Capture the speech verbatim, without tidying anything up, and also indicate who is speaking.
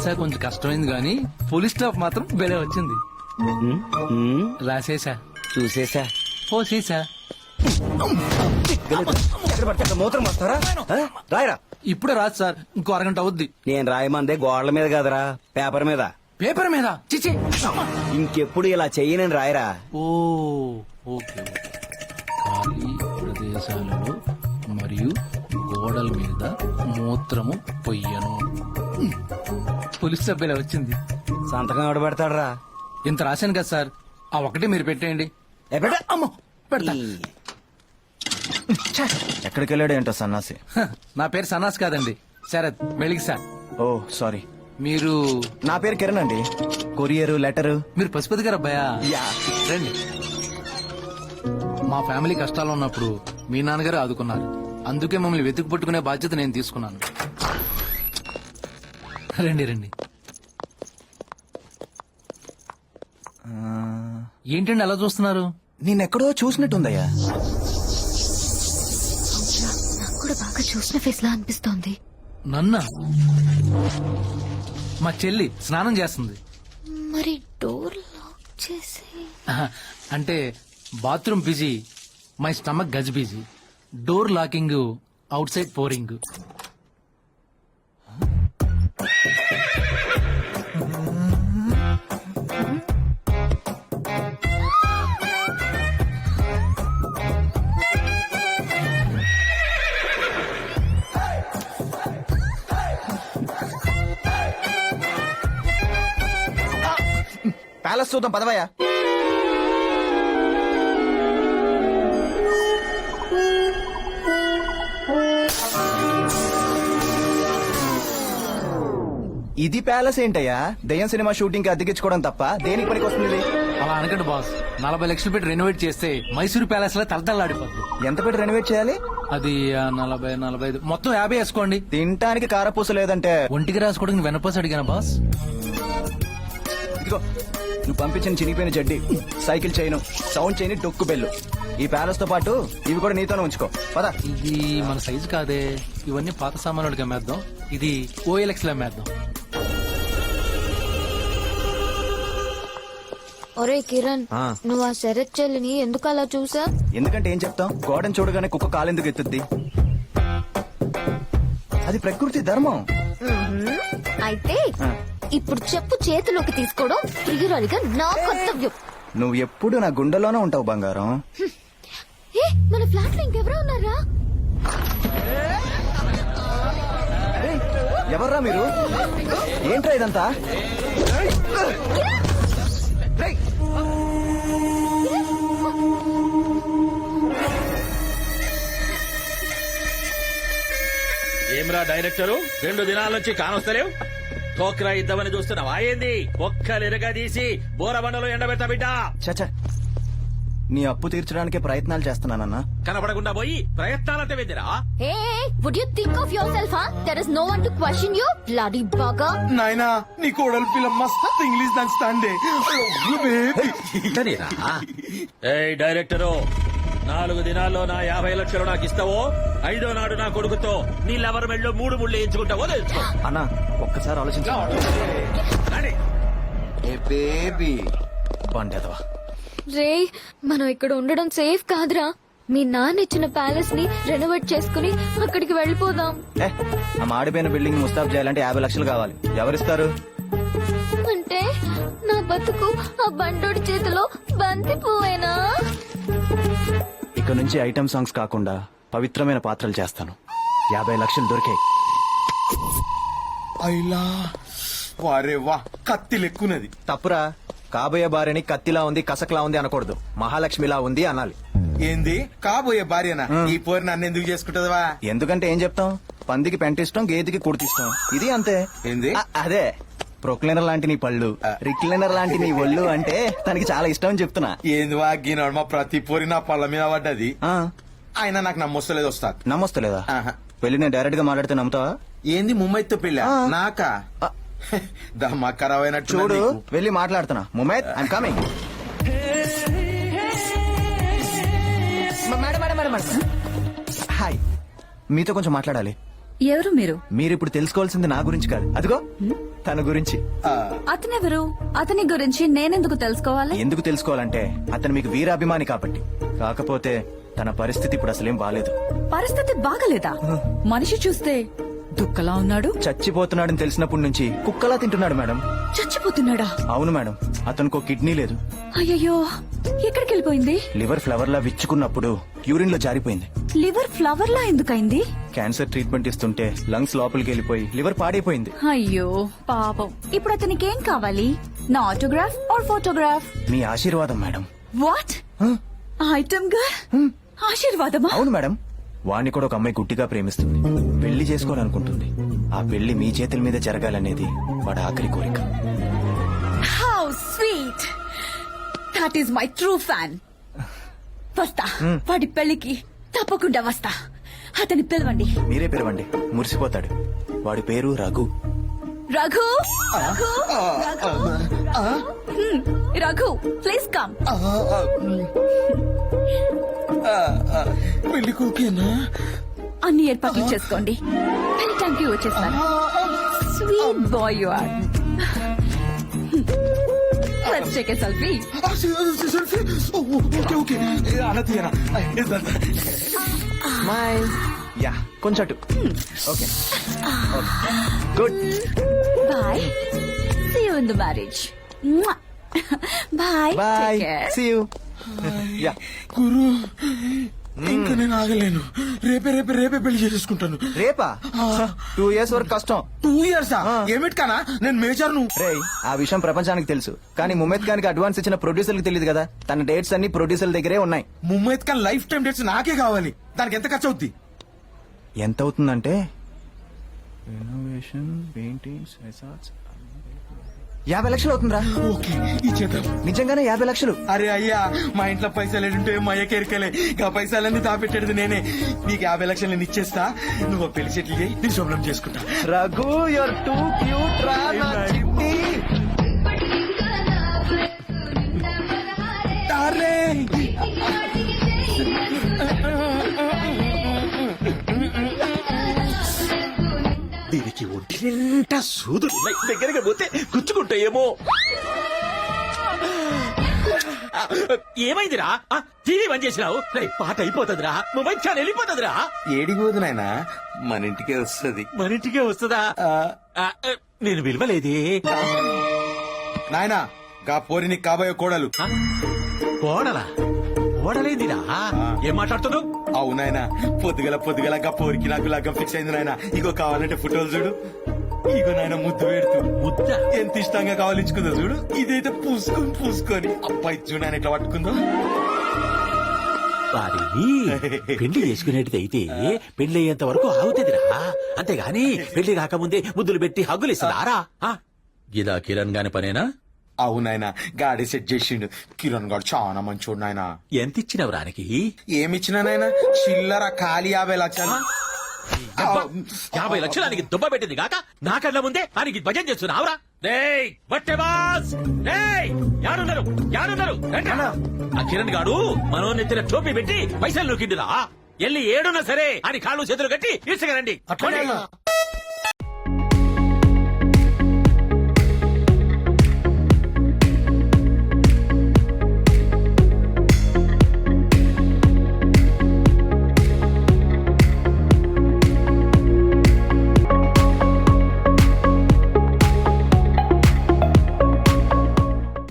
Speaker 1: Visa కొంచెం కష్టమైంది కానీ పోలీస్ స్టాఫ్ మాత్రం బెలే వచ్చింది. రాసేసా,
Speaker 2: చూసేసా.
Speaker 1: పోసేసా.
Speaker 2: ఎక్కడ పడితే అక్కడ మూత్రం వస్తారా? ఆ? రాయరా.
Speaker 1: ఇప్పుడే రాదు సార్, ఇంకో అరగంట అవుద్ది.
Speaker 2: నేను రాయమందే గోడల మీద కదరా, పేపర్ మీద.
Speaker 1: పేపర్ మీద చిచి.
Speaker 2: ఇంకెప్పుడు ఇలా చెయ్యనని రాయరా.
Speaker 1: ఓ ఓకే ఓకే. ఖాళీ ప్రదేశాలలో మరియు గోడల మీద మూత్రము పొయ్యను. పోలీస్ సభ్యులు వచ్చింది.
Speaker 2: సంతకం ఎవడ పెడతాడరా?
Speaker 1: ఇంత రాశాను కదా సార్, ఆ ఒకటి మీరు పెట్టేయండి.
Speaker 2: ఏ పెట్ట.
Speaker 1: అమ్మో పెడతా.
Speaker 3: ఎక్కడికి వెళ్ళాడు ఏంటో సన్నాసి.
Speaker 1: హ, నా పేరు సన్నాస్ కాదండి, శరత్ వెలిగి సార్.
Speaker 3: ఓ సారీ.
Speaker 1: మీరు?
Speaker 3: నా పేరు కిరణ్ అండి. Courier letter.
Speaker 1: మీరు పశుపతి గారు అబ్బాయా?
Speaker 3: యా.
Speaker 1: రండి. మా ఫ్యామిలీ కష్టాలు ఉన్నప్పుడు మీ నాన్నగారు ఆదుకున్నారు, అందుకే మమ్మల్ని వెతుకు పట్టుకునే బాధ్యత నేను తీసుకున్నాను. రండి రండి. ఏంటండి అలా చూస్తున్నారు?
Speaker 3: నేనెక్కడో చూసినట్టుందయ్యా.
Speaker 4: నాకు కూడా బాగా చూసిన ఫేస్ లా అనిపిస్తోంది.
Speaker 1: నన్న మా చెల్లి స్నానం చేస్తుంది.
Speaker 4: మరి డోర్ లాక్ చేసి.
Speaker 1: ఆహా, అంటే bathroom busy, my stomach gas busy. Door locking, outside pouring.
Speaker 3: Palace చూద్దాం పదవయ్యా. ఇది ప్యాలెస్ ఏంటయ్యా? దయ్యం సినిమా షూటింగ్ కి అద్దెకించుకోవడం తప్ప దేనికి పనికి వస్తుంది?
Speaker 1: అలా అనకండి బాస్, నలభై లక్షలు పెట్టి రెనోవేట్ చేస్తే మైసూరు ప్యాలెస్ లో తలతల్లాడిపోద్ది.
Speaker 3: ఎంత పెట్టి రెనోవేట్ చేయాలి?
Speaker 1: అది ఆ, నలభై నలభై ఐదు మొత్తం యాభై వేసుకోండి.
Speaker 3: తినటానికి కారపూస లేదంటే
Speaker 1: ఒంటికి రాసుకోవడానికి వెనపోసి అడిగాను బాస్.
Speaker 3: ఇదిగో నువ్వు పంపించిన చినిగిపోయిన జడ్డి, సైకిల్ చైను, సౌండ్ చైన్, డొక్కు బెల్లు, ఈ ప్యాలెస్ తో పాటు ఇవి కూడా నీతోనే ఉంచుకో. పద.
Speaker 1: ఇది మన సైజు కాదే, ఇవన్నీ పాత సామాన్లకి అమ్మేద్దాం. ఇది ఓఎల్ఎక్స్ లో అమ్మేద్దాం.
Speaker 4: ఒరే కిరణ్,
Speaker 3: ఆ.
Speaker 4: నువ్వు ఆ శరత్ చెల్లిని ఎందుకు అలా చూసా?
Speaker 3: ఎందుకంటే ఏం చెప్తాం, గోడను చూడగానే కుక్క కాలెందుకు ఎత్తుద్ది? అది ప్రకృతి ధర్మం.
Speaker 4: అయితే
Speaker 3: ఆ.
Speaker 4: ఇప్పుడు చెప్పు చేతిలోకి తీసుకోవడం ప్రియురాలిగా నా కర్తవ్యం.
Speaker 3: నువ్వు ఎప్పుడు నా గుండెలోనే ఉంటావు బంగారం.
Speaker 4: ఏ, మన ఫ్లాట్ లో ఇంకెవరో ఉన్నారా?
Speaker 3: ఏయ్, ఎవర్రా మీరు? ఏంట్రా ఇదంతా? రేయ్,
Speaker 5: ఏమ్రా డైరెక్టరు, రెండు దినాల నుంచి కానొస్తలేవు. టోక్రా ఇద్దామని చూస్తున్నావా ఏంది? ఒక్కలిరగా తీసి బోరబండలో ఎండబెట్ట బిడ్డ.
Speaker 3: చచ్చా, నీ అప్పు తీర్చడానికే ప్రయత్నాలు చేస్తున్నానన్నా.
Speaker 5: కనపడకుండా పోయి ప్రయత్నాలంటే వెందిరా?
Speaker 4: Hey, would you think of yourself, huh? There is no one to question you, bloody bugger.
Speaker 6: నాయనా, నీ కోడలు పిల్ల మస్త్ ఇంగ్లీష్ దంచుతాండే.
Speaker 5: ఏయ్ డైరెక్టరు, నాలుగు దినాల్లో నా యాభై లక్షలు నాకు ఇస్తావో, ఐదో నాడు నా కొడుకుతో నీ లవర్ మెళ్ళో మూడు ముళ్ళు ఎంచుకుంటావో తెలుసుకో.
Speaker 3: అన్నా ఒక్కసారి ఆలోచించా. బండేదవా.
Speaker 4: రే, మనం ఇక్కడ ఉండడం సేఫ్ కాదురా. మీ నాన్న ఇచ్చిన ప్యాలెస్ ని రెనోవేట్ చేసుకుని అక్కడికి వెళ్ళిపోదాం.
Speaker 3: ఏ, ఆ మాడిపోయిన బిల్డింగ్ ముస్తాబ్ చేయాలంటే యాభై లక్షలు కావాలి. ఎవరిస్తారు?
Speaker 4: అంటే నా బతుకు ఆ బండోడి చేతిలో బంతి పువ్వేనా?
Speaker 3: ఇక నుంచి ఐటమ్ సాంగ్స్ కాకుండా పవిత్రమైన పాత్రలు చేస్తాను. యాభై లక్షలు దొరికాయి.
Speaker 6: అయిలా వారే వా, కత్తి లెక్కున్నది.
Speaker 3: తప్పురా. కాబోయే భార్యని కత్తిలా ఉంది, కసకలా ఉంది అనకూడదు, మహాలక్ష్మిలా ఉంది అనాలి.
Speaker 6: ఏంది కాబోయే భార్యనా? ఈ పోరు నన్ను ఎందుకు చేసుకుంటదవా?
Speaker 3: ఎందుకంటే ఏం చెప్తాం, పందికి పెంటిస్తాం, గేదెకి కుర్తిస్తాం. ఇది అంతే.
Speaker 6: ఏంది?
Speaker 3: అ- అదే ప్రొక్లైనర్ లాంటి నీ పళ్ళు, రిక్లైనర్ లాంటి నీ ఒళ్ళు అంటే తనకి చాలా ఇష్టం అని చెప్తున్నా.
Speaker 6: ఏంది వా గీనాడు, మా ప్రతి పోరి నా పళ్ళ మీద పడ్డది.
Speaker 3: ఆ,
Speaker 6: ఆయన నాకు నమ్మొస్తలేదు వస్తా.
Speaker 3: నమ్మొస్తలేదా?
Speaker 6: ఆహా.
Speaker 3: వెళ్ళి నేను డైరెక్ట్ గా మాట్లాడితే నమ్ముతావా?
Speaker 6: ఏంది ముమ్మైతో పెళ్ళ
Speaker 3: ఆ.
Speaker 6: నాకా?
Speaker 3: ఆ.
Speaker 6: దమ్మా ఖరాబ్ అయినట్టు
Speaker 3: చూడు, వెళ్ళి మాట్లాడుతున్నా. Mumaith, I'm coming. హాయ్, మీతో కొంచెం మాట్లాడాలి.
Speaker 7: ఎవరు మీరు?
Speaker 3: మీరు ఇప్పుడు తెలుసుకోవాల్సింది నా గురించి కాదు, అదిగో తన గురించి.
Speaker 7: అతనెవరు? అతని గురించి నేనెందుకు తెలుసుకోవాలి?
Speaker 3: ఎందుకు తెలుసుకోవాలంటే అతను మీకు వీరాభిమాని కాబట్టి. కాకపోతే తన పరిస్థితి ఇప్పుడు అసలేం బాలేదు.
Speaker 7: పరిస్థితి బాగలేదా? మనిషి చూస్తే దుక్కలా ఉన్నాడు.
Speaker 3: చచ్చిపోతున్నాడని తెలిసినప్పటి నుంచి కుక్కలా తింటున్నాడు మేడం.
Speaker 7: చచ్చిపోతున్నాడా?
Speaker 3: అవును మేడం, అతనికి కిడ్నీ లేదు.
Speaker 7: అయ్యయ్యో, ఎక్కడికి వెళ్ళిపోయింది?
Speaker 3: లివర్ ఫ్లవర్ లా విచ్చుకున్నప్పుడు యూరిన్ లో జారిపోయింది.
Speaker 7: లివర్ ఫ్లవర్ లా ఎందుకైంది?
Speaker 3: క్యాన్సర్ ట్రీట్మెంట్ ఇస్తుంటే లంగ్స్ లోపలికి వెళ్ళిపోయి లివర్ పాడైపోయింది.
Speaker 7: అయ్యో పాపం. ఇప్పుడు అతనికి ఏం కావాలి? నా ఆటోగ్రాఫ్ ఆర్ ఫోటోగ్రాఫ్?
Speaker 3: మీ ఆశీర్వాదం మేడం.
Speaker 7: వాట్? ఐటమ్ గర్ల్ ఆశీర్వాదమా?
Speaker 3: అవును మేడం, వాణ్ణి కూడా ఒక అమ్మాయి గుట్టిగా ప్రేమిస్తుంది, పెళ్లి చేసుకోవాలనుకుంటుంది. ఆ పెళ్లి మీ చేతుల మీద జరగాలనేది వాడి ఆఖరి కోరిక.
Speaker 7: How sweet. That is my true fan. వస్తా, వాడి పెళ్లికి తప్పకుండా వస్తా. అతని పిలవండి.
Speaker 3: మీరే పిలవండి, మురిసిపోతాడు. వాడి పేరు Raghu.
Speaker 7: Raghu, Raghu, Raghu. Hmm, Raghu, please come.
Speaker 6: పెళ్లి కూకేనా?
Speaker 7: అన్ని ఏర్పాట్లు చేసుకోండి. ఎనీ టైం కి వచ్చేస్తాను. Sweet boy you are. Let's take a selfie.
Speaker 6: Okay okay అలా తీయనా?
Speaker 3: స్మైల్. యా, కొంచెం అటు. Okay good.
Speaker 7: Bye. See you in the marriage. Bye.
Speaker 3: Bye, see you. Yeah.
Speaker 6: గురు ఇంకా నేను ఆగలేను. రేపే రేపే రేపే పెళ్లి చేసేసుకుంటాను.
Speaker 3: రేపా? టూ ఇయర్స్ వరకు కష్టం.
Speaker 6: టూ ఇయర్స్ ఏమిటి కానా? నేను మేజర్ ను.
Speaker 3: రే, ఆ విషయం ప్రపంచానికి తెలుసు, కానీ ముమ్మద్ ఖాన్ కి అడ్వాన్స్ ఇచ్చిన ప్రొడ్యూసర్ కి తెలియదు కదా. తన డేట్స్ అన్ని ప్రొడ్యూసర్ దగ్గరే ఉన్నాయి.
Speaker 6: Mohammad Khan life time dates నాకే కావాలి. దానికి ఎంత ఖర్చు అవుద్ది?
Speaker 3: ఎంత అవుతుందంటే రెనోవేషన్, పెయింటింగ్స్, రిసార్ట్స్ యాభై లక్షలు అవుతుందిరా.
Speaker 6: ఓకే ఇచ్చేద్దాం.
Speaker 3: నిజంగానే యాభై లక్షలు.
Speaker 6: అరే అయ్యా, మా ఇంట్లో పైసలు ఏంటంటే మా అయ్యకి ఎరకలే. ఆ పైసలన్నీ దాపెట్టేది నేనే. నీకు యాభై లక్షలు నేను ఇచ్చేస్తా. నువ్వు పెళ్లి సెటిల్ చేయి, నీ శుభ్రం చేసుకుంటా.
Speaker 3: రఘు, యూర్ టూ క్యూట్ రా నా చిట్టి.
Speaker 6: డార్లింగ్.
Speaker 5: దీనికి ఒంటి నిండా సూదులు ఉన్నాయి. దగ్గరగా పోతే గుచ్చుకుంటాయేమో. ఏమైందిరా? ఆ, టీవీ బంద్ చేసినావు? రేయ్, పాట అయిపోతుందిరా, మొబైల్ ఛానల్ వెళ్ళిపోతుందిరా.
Speaker 6: ఏడిపోదు నాయనా, మన ఇంటికే వస్తుంది.
Speaker 5: మన ఇంటికే వస్తుందా? ఆ, ఆ, నేను విలువలేదే.
Speaker 6: నాయనా, గా పోరి నీకు కాబోయే కోడలు.
Speaker 5: ఆ, కోడలా? కోడలేందిరా? ఏం మాట్లాడుతున్నావు?
Speaker 6: అవునాయనా, పొద్దుగల పొద్దుగల గా పోరికి నాకు లగ్గం ఫిక్స్ అయింది నాయన. ఇగో కావాలంటే ఫోటోలు చూడు. ఇగో నాయన ముద్దు పెడుతూ
Speaker 5: ముద్ద
Speaker 6: ఎంత ఇష్టంగా కావాలించుకుందో చూడు. ఇదైతే పూసుకొని పూసుకొని అబ్బాయి చూడు ఆయన ఎట్లా పట్టుకుందో.
Speaker 5: వారిని పెళ్లి చేసుకునేటిది అయితే పెళ్లి అయ్యేంత వరకు ఆగుతుందిరా. అంతేగాని పెళ్లి కాకముందే ముద్దులు పెట్టి హగ్గులు ఇస్తుందారా? గిదా కిరణ్ గాని పనేనా?
Speaker 6: అవునాయన, గాడి సెట్ చేసిండు. కిరణ్ గాడు చాలా మంచోడు నాయన.
Speaker 5: ఎంత ఇచ్చినవు రానికి?
Speaker 6: ఏమిచ్చినా నాయన? చిల్లర ఖాళీ యాభై లక్షలు.
Speaker 5: అబ్బా, యాభై లక్షలానికి దుబ్బ పెట్టింది కాక నా కళ్ళ ముందే ఆయనకి భజన చేస్తున్నావురా? డేయ్ బట్టే బాస్, డేయ్ యాడున్నారు యాడున్నారు? రండ్రా. ఆ కిరణ్ గాడు మనో నెత్తిన టోపీ పెట్టి పైసలు నొక్కిండురా. ఎల్లి ఏడున్నా సరే అని కాళ్ళు చేతులు కట్టి ఇసుకరండి.
Speaker 6: అట్లనే